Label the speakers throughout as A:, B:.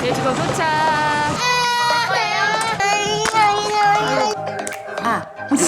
A: 제주도 도착. 아.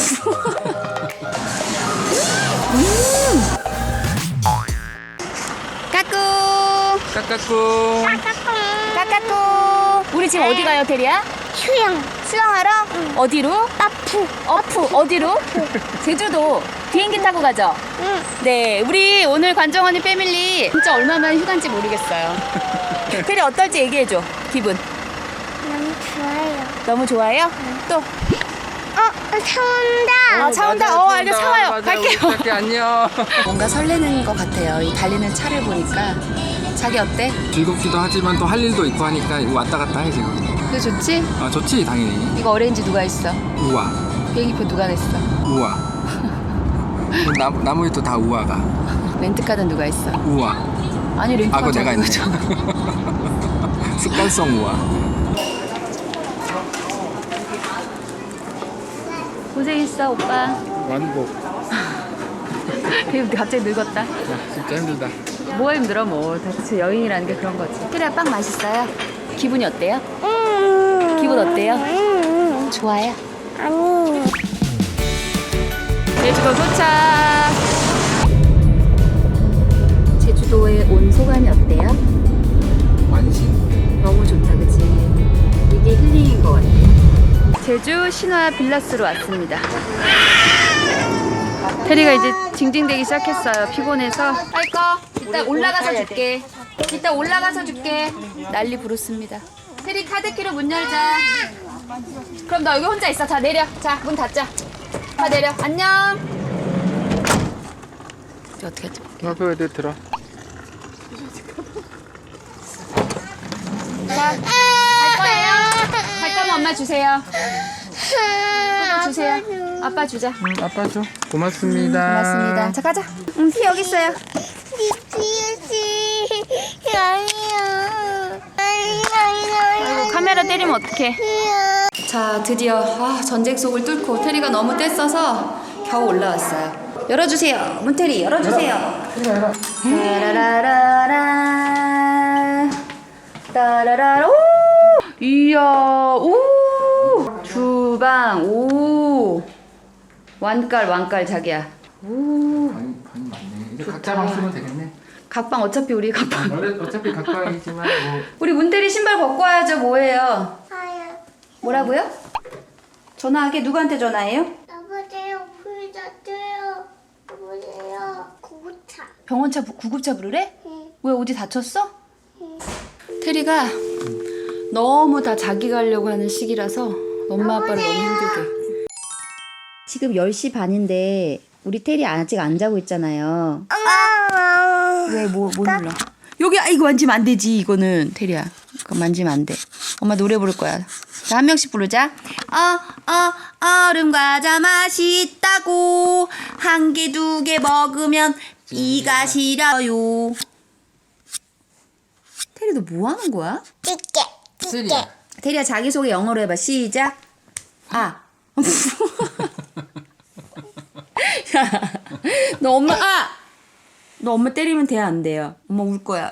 A: 까꿍.
B: 까까꿍.
A: 까까꿍. 우리 지금 어디 가요, 테리야? 수영하러? 어디로? 어프. 어디로? 제주도. 비행기 타고 가죠? 네, 우리 오늘 관정언니 패밀리 진짜 얼마만 휴가인지 모르겠어요. 테리 어떨지 얘기해줘, 기분.
C: 너무 좋아요.
A: 너무 좋아요? 또?
C: 차 온다.
A: 차 온다. 알겠어. 차 와요. 갈게요.
B: 갈게, 안녕.
A: 뭔가 설레는 것 같아요. 이 달리는 차를 보니까. 자기 어때?
B: 즐겁기도 하지만 또 할 일도 있고 하니까 이거 왔다 갔다 해 지금.
A: 그게 좋지?
B: 아 좋지 당연히.
A: 이거 어레인지 누가 했어?
B: 우와.
A: 비행기표 누가 냈어?
B: 우와. 나머지 또 다 우와가.
A: 렌트카는 누가 했어?
B: 우와.
A: 아니 렌트카
B: 그거 내가 했네.
A: 잖아.
B: 습관성 우와.
A: 고생했어 오빠.
B: 완복.
A: 되게 갑자기 늙었다.
B: 진짜 힘들다.
A: 뭐가 힘들어 뭐. 대체 여행이라는 게 그런 거지. 테리야 빵 맛있어요? 기분이 어때요? 기분 어때요? 좋아요?
C: 아니.
A: 제주도 도착. 제주도에 온 소감이 어때요?
B: 완신.
A: 너무 좋다 그치? 이게 힐링인 것 같아. 제주 신화 빌라스로 왔습니다. 테리가 이제 징징대기 시작했어요. 피곤해서. 할 거? 이따 올라가서 줄게. 이따 올라가서 줄게. 난리 부르습니다. 테리 카드키로 문 열자. 그럼 너 여기 혼자 있어. 자 내려. 자 문 닫자. 다 내려. 안녕. 이제 어떻게 하지?
B: 앞에 애들 들어.
A: 자, 갈 거예요? 갈 거면 엄마 주세요. 아빠 주세요. 아빠 주자.
B: 아빠 줘. 고맙습니다.
A: 고맙습니다. 자, 가자. 피 여기 있어요. 아이고, 카메라 때리면 어떡해. 자, 드디어 전쟁 속을 뚫고 테리가 너무 떼써서 겨우 올라왔어요. 열어주세요. 문테리 열어주세요. 따라라라라 따라라라. 오! 이야, 오! 주방, 오! 완깔 자기야. 오!
B: 방이 많네. 이제 각자 방 쓰면 되겠네.
A: 각방 어차피 우리 각방.
B: 어차피 각방이지만 뭐.
A: 우리 문테리 신발 벗고 와야죠. 뭐예요? 뭐라고요? 전화하게? 누구한테 전화해요?
C: 여보세요. 불자줘요. 여보세요. 구구차.
A: 병원차 구급차 부르래?
C: 응.
A: 왜 어디 다쳤어? 테리가 너무 다 자기 가려고 하는 시기라서 엄마 아빠를 너무 힘들게. 지금 10시 반인데 우리 테리 아직 안 자고 있잖아요. 왜 뭐 눌러? 여기 이거 만지면 안 되지. 이거는 테리야. 그거 만지면 안 돼. 엄마 노래 부를 거야. 자, 한 명씩 부르자. 얼음 과자 맛있다고 한 개 두 개 먹으면 이가 시려요. 테리 너 뭐 하는 거야?
C: 찌개.
B: 쓰리야.
A: 테리야 자기소개 영어로 해봐. 시작. 야, 너 엄마 때리면 돼 안 돼요? 엄마 울 거야.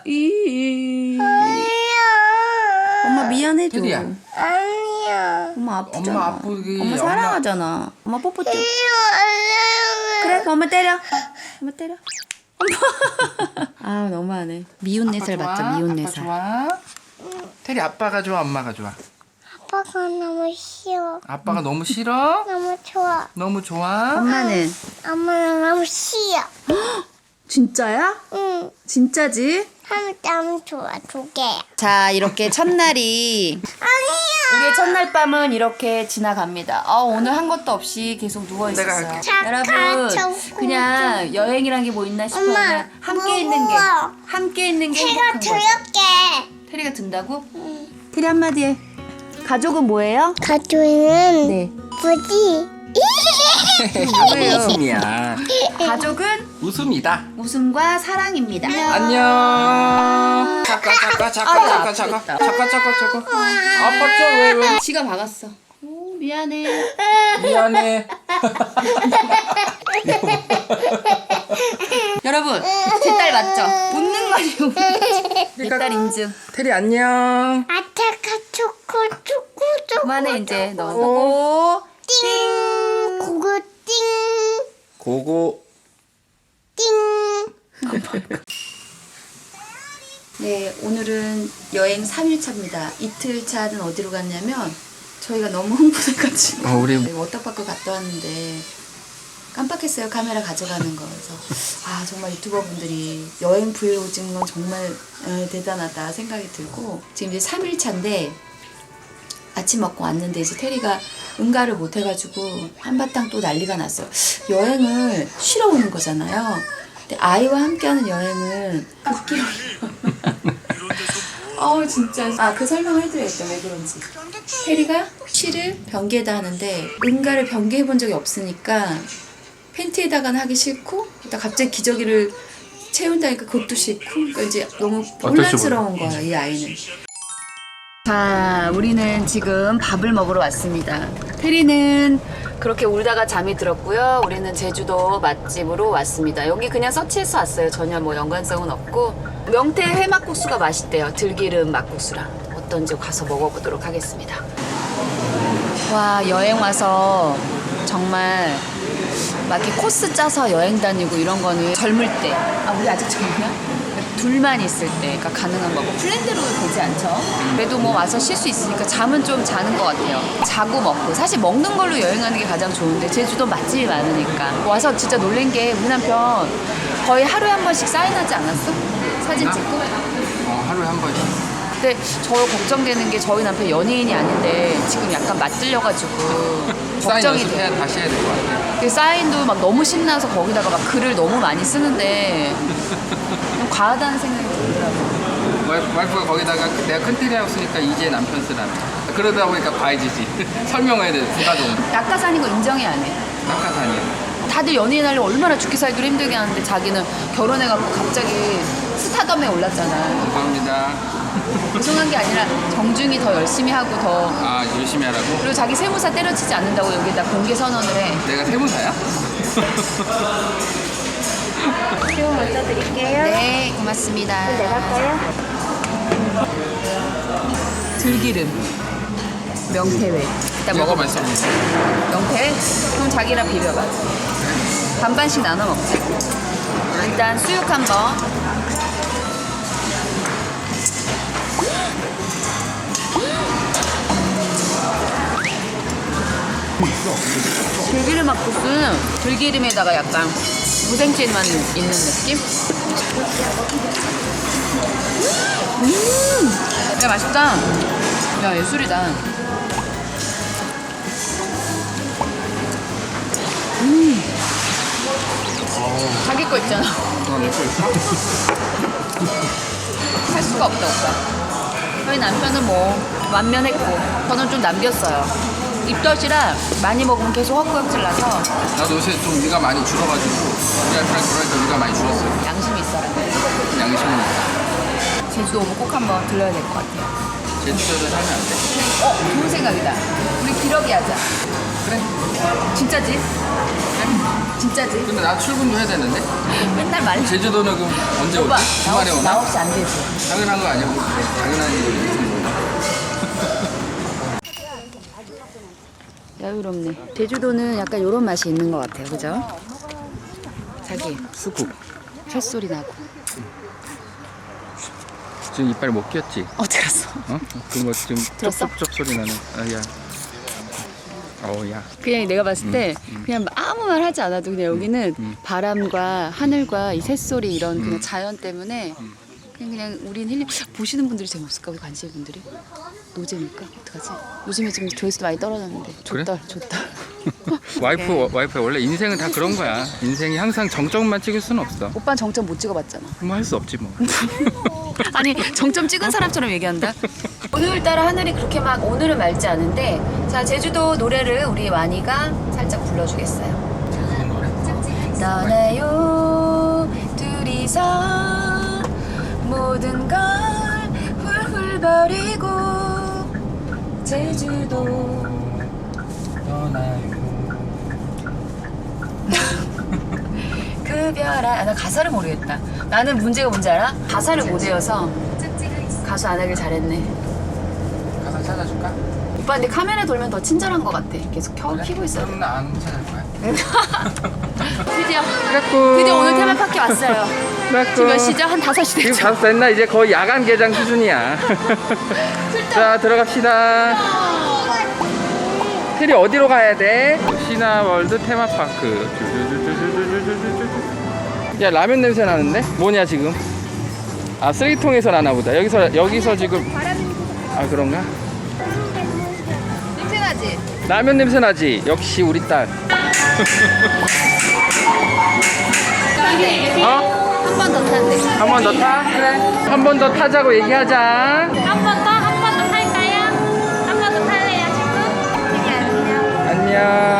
A: 엄마 미안해줘.
B: 테리야.
C: 아니야.
A: 엄마 아프잖아.
B: 엄마 아프기.
A: 엄마 사랑하잖아. 엄마 뽀뽀 줘. 그래, 그럼 엄마 때려. 엄마 때려. 엄마. 아 너무하네. 미운 내살 맞죠? 미운
B: 아빠
A: 내살.
B: 좋아? 테리 아빠가 좋아, 엄마가 좋아?
C: 아빠가 너무 싫어.
B: 아빠가 너무 싫어?
C: 너무 좋아.
B: 너무 좋아?
A: 엄마는
C: 엄마는 너무 싫어.
A: 진짜야?
C: 응.
A: 진짜지?
C: 너무 좋아. 두 개야.
A: 자 이렇게 첫날이
C: 아니야.
A: 우리의 첫날 밤은 이렇게 지나갑니다. 오늘 한 것도 없이 계속 누워
B: 내가
A: 있었어요.
B: 할게.
A: 여러분
C: 착한
A: 그냥 여행이란 게 뭐 있나 싶어요.
C: 엄마,
A: 그냥 함께 있는 게
C: 무거워.
A: 함께 있는 게
C: 제가
A: 행복한 거죠.
C: 들을게.
A: 테리가 든다고? 테리 한마디 해. 가족은 뭐예요?
C: 가족은
A: 네.
C: 뭐지?
A: 뭐예요?
B: 웃음이야.
A: 가족은
B: 웃음이다.
A: 웃음과 사랑입니다.
B: 안녕. 잠깐. 아빠 왜?
A: 지가 박았어. 오, 미안해.
B: 미안해.
A: 여러분 여러분 제 딸 맞죠? 본능만이 내 딸 인증.
B: 테리 안녕.
C: 아타카 초코
A: 그만해 이제 너.
C: 띵 고고 띵
B: 고고.
C: 띵.
A: 네, 오늘은 여행 3일차입니다. 이틀차는 어디로 갔냐면 저희가 너무 흥분해가지고
B: 우리
A: 워터파크 갔다 왔는데 깜빡했어요. 카메라 가져가는 거. 그래서 아 정말 유튜버 분들이 여행 브이로그 찍는 건 정말 대단하다 생각이 들고 지금 이제 3일차인데 아침 먹고 왔는데 이제 테리가 응가를 못 해가지고 한바탕 또 난리가 났어요. 여행을 쉬러 오는 거잖아요. 근데 아이와 함께하는 여행은 급기로 진짜 그 설명을 해드려야겠다. 왜 그런지. 테리가 쉬를 변기에다 하는데 응가를 변기해 본 적이 없으니까 팬티에다가는 하기 싫고 일단 갑자기 기저귀를 채운다니까 그것도 싫고 그러니까 이제 너무 혼란스러운 거야 이 아이는. 자, 우리는 지금 밥을 먹으러 왔습니다. 테리는 그렇게 울다가 잠이 들었고요. 우리는 제주도 맛집으로 왔습니다. 여기 그냥 서치해서 왔어요. 전혀 뭐 연관성은 없고 명태 회막국수가 맛있대요. 들기름 막국수랑. 어떤지 가서 먹어보도록 하겠습니다. 와, 여행 와서 정말 막 이렇게 코스 짜서 여행 다니고 이런 거는 젊을 때. 우리 아직 젊냐? 둘만 있을 때, 그러니까 가능한 거고 플랜대로 되지 않죠. 그래도 뭐 와서 쉴 수 있으니까 잠은 좀 자는 것 같아요. 자고 먹고 사실 먹는 걸로 여행하는 게 가장 좋은데 제주도 맛집이 많으니까 와서 진짜 놀란 게 우리 남편 거의 하루에 한 번씩 사인하지 않았어? 사진 찍고?
B: 하루에 한 번씩.
A: 근데 저 걱정되는 게 저희 남편 연예인이 아닌데 지금 약간 맞들려가지고
B: 사인
A: 걱정이
B: 연습해야
A: 돼요.
B: 다시 해야 될 것 같아.
A: 그 사인도 막 너무 신나서 거기다가 막 글을 너무 많이 쓰는데 좀 과하다는 생각이 들더라고요.
B: 와이프가 거기다가 내가 큰 테리 하우스니까 이제 남편 쓰라며. 그러다 보니까 봐야지지. 설명해야 돼. 부가동.
A: 낙하산인 거 인정이 안 해.
B: 낙하산이야.
A: 다들 연예인 하려고 얼마나 죽기 살기로 힘들게 하는데 자기는 결혼해갖고 갑자기 스타덤에 올랐잖아.
B: 감사합니다.
A: 죄송한 게 아니라 정중히 더 열심히 하고 더
B: 열심히 하라고?
A: 그리고 자기 세무사 때려치지 않는다고 여기다 공개 선언을 해.
B: 내가 세무사야?
C: 새우 먼저 드릴게요.
A: 네, 고맙습니다.
C: 내가 할까요?
A: 들기름 명태회 일단 먹어보자.
B: 맛있어.
A: 명태회? 그럼 자기랑 비벼봐. 반반씩 나눠 먹자. 일단 수육 한번. 들기름 막국수는 들기름에다가 약간 무생채만 있는 느낌? 야, 맛있다. 야, 예술이다. 자기 거 있잖아.
B: 내거 있어?
A: 할 수가 없다, 오빠. 저희 남편은 뭐 완면했고 저는 좀 남겼어요. 입덧이라 많이 먹으면 계속 헛구역질 나서
B: 나도 요새 좀 위가 많이 줄어가지고 우리 와이프랑 결혼해서 위가 많이 줄었어요.
A: 양심이 있어라.
B: 양심은 있다.
A: 제주도 오면 꼭 한번 들러야 될 것 같아요.
B: 제주도를 살면 안 돼?
A: 좋은 생각이다. 우리 기러기 하자.
B: 그래.
A: 진짜지? 진짜지?
B: 근데 나 출근도 해야 되는데?
A: 맨날 말려.
B: 제주도는 그럼 언제
A: 오빠,
B: 오지? 주말에
A: 나
B: 오나?
A: 없이 안 되지.
B: 당연한 거 아니야? 당연한 일이 무슨 거야?
A: 야유롭네. 제주도는 약간 이런 맛이 있는 것 같아요. 그죠? 자기
B: 수국.
A: 햇소리 나고.
B: 지금 이빨 못 꼈지?
A: 어디 갔어?
B: 어? 그거 지금
A: 들었어?
B: 쪽쪽쪽 소리 나는. 야. 야.
A: 그냥 내가 봤을 때 그냥 아무 말 하지 않아도 그냥 여기는 바람과 하늘과 이 새소리 이런 그냥 자연 때문에 그냥 우린 힐링. 보시는 분들이 재미없을까? 우리 관심 분들이 노잼일까? 어떡하지? 요즘에 지금 조회수도 많이 떨어졌는데
B: 그래?
A: 좋다.
B: 와이프 원래 인생은 다 그런 거야. 인생이 항상 정점만 찍을 수는 없어.
A: 오빠는 정점 못 찍어봤잖아.
B: 뭐 할 수 없지 뭐.
A: 아니 정점 찍은 사람처럼 얘기한다. 오늘따라 하늘이 그렇게 막 오늘은 맑지 않은데 자 제주도 노래를 우리 와니가 살짝 불러주겠어요. 떠나요 둘이서 모든 걸 훌훌 버리고 제주도
B: 떠나요.
A: 나 가사를 모르겠다. 나는 문제가 뭔지 알아? 가사를 못 외워서 가수 안 하길 잘했네.
B: 가사 찾아줄까?
A: 오빠 근데 카메라 돌면 더 친절한 것 같아. 계속 켜고 있어야 돼.
B: 그럼 나 안 찾아줄 거야.
A: 드디어 오늘 테마파크 왔어요. 지금 몇 시죠? 한 5시
B: 지금
A: 됐죠?
B: 5시 됐나? 이제 거의 야간 개장 수준이야. 자, 들어갑시다. 테리 어디로 가야 돼? 신화월드 테마파크. 야, 라면 냄새 나는데? 뭐냐 지금? 아, 쓰레기통에서 나나 보다. 여기서 지금. 아, 그런가?
A: 냄새 나지?
B: 라면 냄새 나지? 역시 우리 딸. 어?
A: 한 번 더 탄대.
B: 한 번 더 타? 그래. 한 번 더 타자고 얘기하자.
C: 한 번 더 탈까요? 한 번 더 탈래요, 친구?
B: 안녕.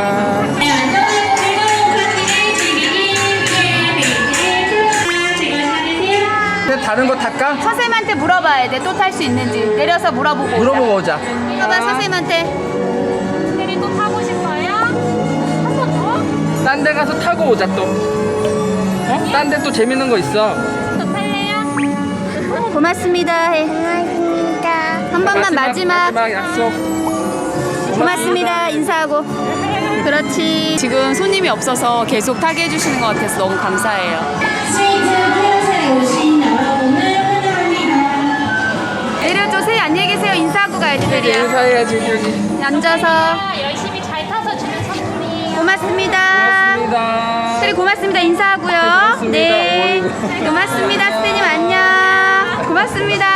B: 그냥 다른 거 탈까?
A: 선생님한테 물어봐야 돼. 또 탈 수 있는지. 내려서 물어보고 오자.
B: 물어보고 오자.
A: 봐봐 선생님한테.
C: 테리 또 타고 싶어요? 한 번 더?
B: 딴 데 가서 타고 오자 또. 어? 딴 데 또 재밌는 거 있어.
C: 또 탈래요?
A: 고맙습니다. 해.
C: 고맙습니다.
A: 한 번만 마지막.
B: 약속.
A: 고맙습니다. 인사하고. 그렇지. 지금 손님이 없어서 계속 타게 해주시는 것 같아서 너무 감사해요.
D: 스위트 페어셀에 오신 여러분을 환영합니다.
A: 내려주세요. 안녕히 계세요. 인사하고 가야지 테리야.
B: 인사해야지 여기.
A: 앉아서.
C: 열심히 잘 타서 주는 선물이에요.
A: 고맙습니다.
B: 고맙습니다.
A: 테리 고맙습니다. 인사하고요.
B: 고맙습니다.
A: 네.
B: 어이구.
A: 고맙습니다. 선생님 안녕. 고맙습니다.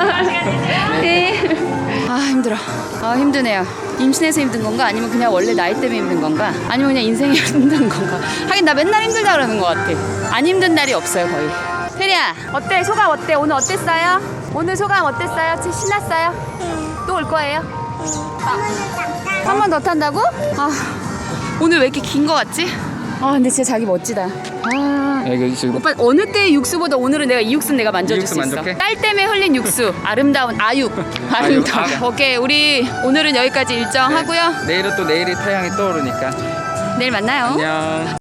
A: 네. 아 힘들어. 아 힘드네요. 임신해서 힘든 건가? 아니면 그냥 원래 나이 때문에 힘든 건가? 아니면 그냥 인생이 힘든 건가? 하긴 나 맨날 힘들다 그러는 것 같아. 안 힘든 날이 없어요 거의. 테리야 어때? 소감 어때? 오늘 어땠어요? 오늘 소감 어땠어요? 신났어요? 또 올 거예요? 한 번 더 탄다고? 아 오늘 왜 이렇게 긴 거 같지? 아 근데 진짜 자기 멋지다. 아
B: 야, 이거 지금
A: 오빠 어느 때의 육수보다 오늘은 내가 이 육수는 내가 만져줄
B: 육수
A: 수 있어.
B: 만족해?
A: 딸 때문에 흘린 육수 아름다운 아육. 아름다운.
B: 아육.
A: 오케이 우리 오늘은 여기까지 일정 하고요.
B: 내일은 또 내일이 태양이 떠오르니까.
A: 내일 만나요.
B: 안녕.